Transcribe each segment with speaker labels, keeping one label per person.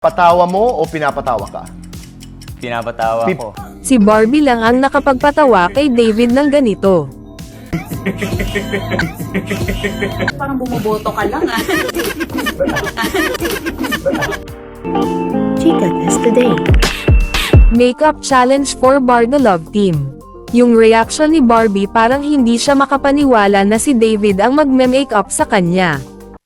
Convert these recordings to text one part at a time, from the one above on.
Speaker 1: Patawa mo o pinapatawa ka?
Speaker 2: Pinapatawa ko.
Speaker 3: Si Barbie lang ang nakapagpatawa kay David ng ganito.
Speaker 4: Parang bumoboto ka lang ah.
Speaker 5: Chika Test Today.
Speaker 3: Makeup challenge for Bar the Love Team. Yung reaction ni Barbie parang hindi siya makapaniwala na si David ang magme-makeup sa kanya.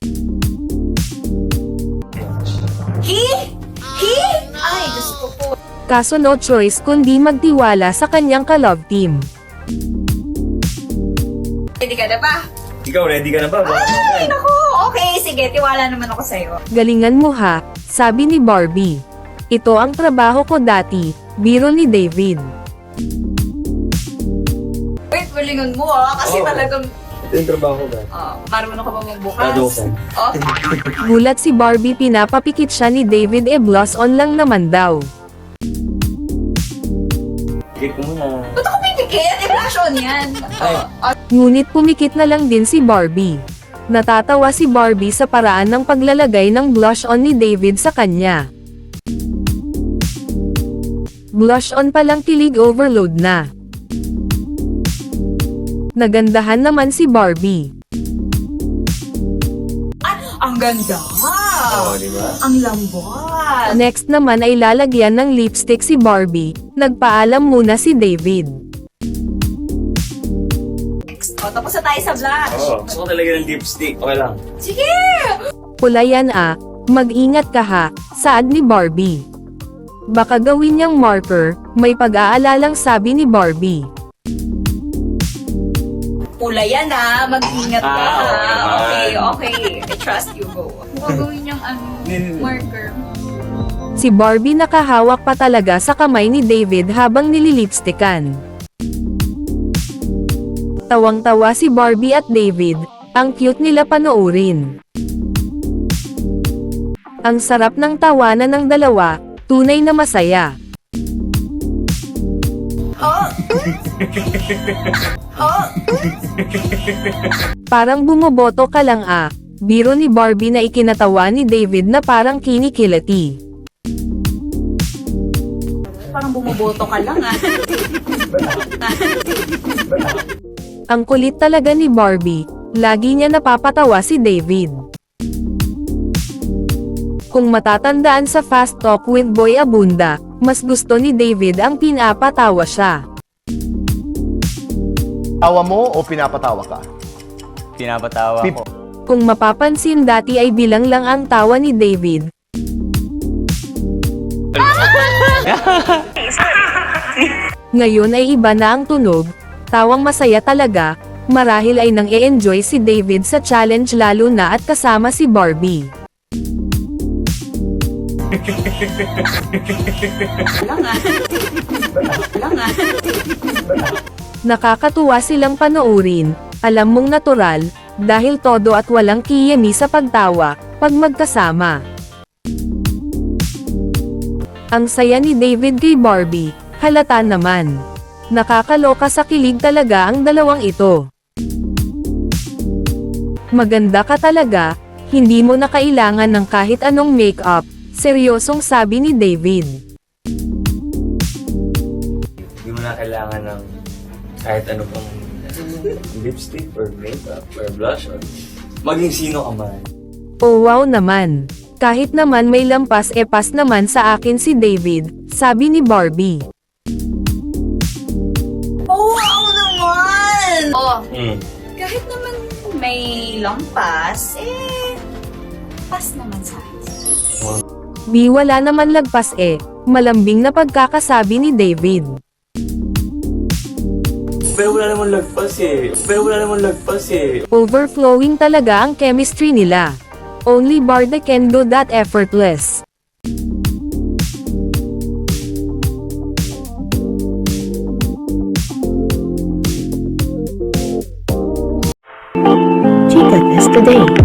Speaker 4: Ay, Diyos ko po.
Speaker 3: Kaso no choice kundi magtiwala sa kanyang ka-love team.
Speaker 4: Ready ka na ba?
Speaker 2: Ikaw, ready ka na ba?
Speaker 4: Ay, naku. Okay, sige. Tiwala naman ako sa'yo.
Speaker 3: Galingan mo ha, sabi ni Barbie. Ito ang trabaho ko dati, biro ni David.
Speaker 4: Wait, malingan mo ah. Kasi talagang,
Speaker 2: Ito yung trabaho ka.
Speaker 4: marunong ka ba magbukas?
Speaker 2: Tadukan.
Speaker 4: Oh,
Speaker 3: Gulat si Barbie, pinapapikit siya ni David, blush on lang naman daw.
Speaker 2: Pikit ko muna.
Speaker 4: ba't ako pipikit? I-flash on yan.
Speaker 3: Ngunit pumikit na lang din si Barbie. Natatawa si Barbie sa paraan ng paglalagay ng blush on ni David sa kanya. Blush on palang kilig overload na. Nagandahan naman si Barbie.
Speaker 4: Ang ganda.
Speaker 2: Oo, di ba?
Speaker 4: Ang lambot.
Speaker 3: Next naman ay lalagyan ng lipstick si Barbie. Nagpaalam muna si David.
Speaker 4: Tapos na tayo sa blush.
Speaker 2: Oo. Gusto ko talaga ng lipstick. Okay lang.
Speaker 4: Sige!
Speaker 3: Pula yan ah, mag-ingat ka ha, saad ni Barbie. Baka gawin niyang marker, may pag-aalalang sabi ni Barbie.
Speaker 4: Pula yan ah. Mag-ingat ka
Speaker 2: Ah,
Speaker 4: ah. Okay,
Speaker 2: okay.
Speaker 4: okay. I trust you, go. Mukhang gawin niyang marker.
Speaker 3: Si Barbie nakahawak pa talaga sa kamay ni David habang nililipstickan. Tawang-tawa si Barbie at David, ang cute nila panoorin. Ang sarap ng tawanan ng dalawa, tunay na masaya.
Speaker 4: Oh! Oh!
Speaker 3: Parang bumoboto ka lang ah, biro ni Barbie na ikinatawa ni David na parang kinikilati.
Speaker 4: Parang bumoboto ka lang ah.
Speaker 3: Ang kulit talaga ni Barbie, lagi niya napapatawa si David. Kung matatandaan sa Fast Talk with Boy Abunda, mas gusto ni David ang pinapatawa siya.
Speaker 1: Tawa mo o pinapatawa ka?
Speaker 2: Pinapatawa ko.
Speaker 3: Kung mapapansin dati ay bilang lang ang tawa ni David. Ngayon ay iba na ang tunog, tawang masaya talaga, marahil ay nang e-enjoy si David sa challenge lalo na at kasama si Barbie.
Speaker 4: Lang ah. Lang ah.
Speaker 3: Nakakatuwa silang panoorin, alam mong natural, dahil todo at walang kiyemi sa pagtawa, pag magkasama. Ang saya ni David kay Barbie, halata naman. Nakakaloka sa kilig talaga ang dalawang ito. Maganda ka talaga, hindi mo na kailangan ng kahit anong makeup, seryosong sabi ni David.
Speaker 2: Hindi mo na kailangan ng kahit ano pang lipstick or makeup or blush or maging sino ka man.
Speaker 3: Oh wow naman. Kahit naman may lampas pas naman sa akin si David, sabi ni Barbie.
Speaker 4: Oh, wow naman! Oh,
Speaker 2: Hmm.
Speaker 4: kahit naman may lampas, pas naman sa akin.
Speaker 3: Di wala naman lagpas malambing na pagkakasabi ni David.
Speaker 2: Pero wala namang lagpas eh.
Speaker 3: Overflowing talaga ang chemistry nila. Only Barda can do that effortless.
Speaker 5: Chika Test Today.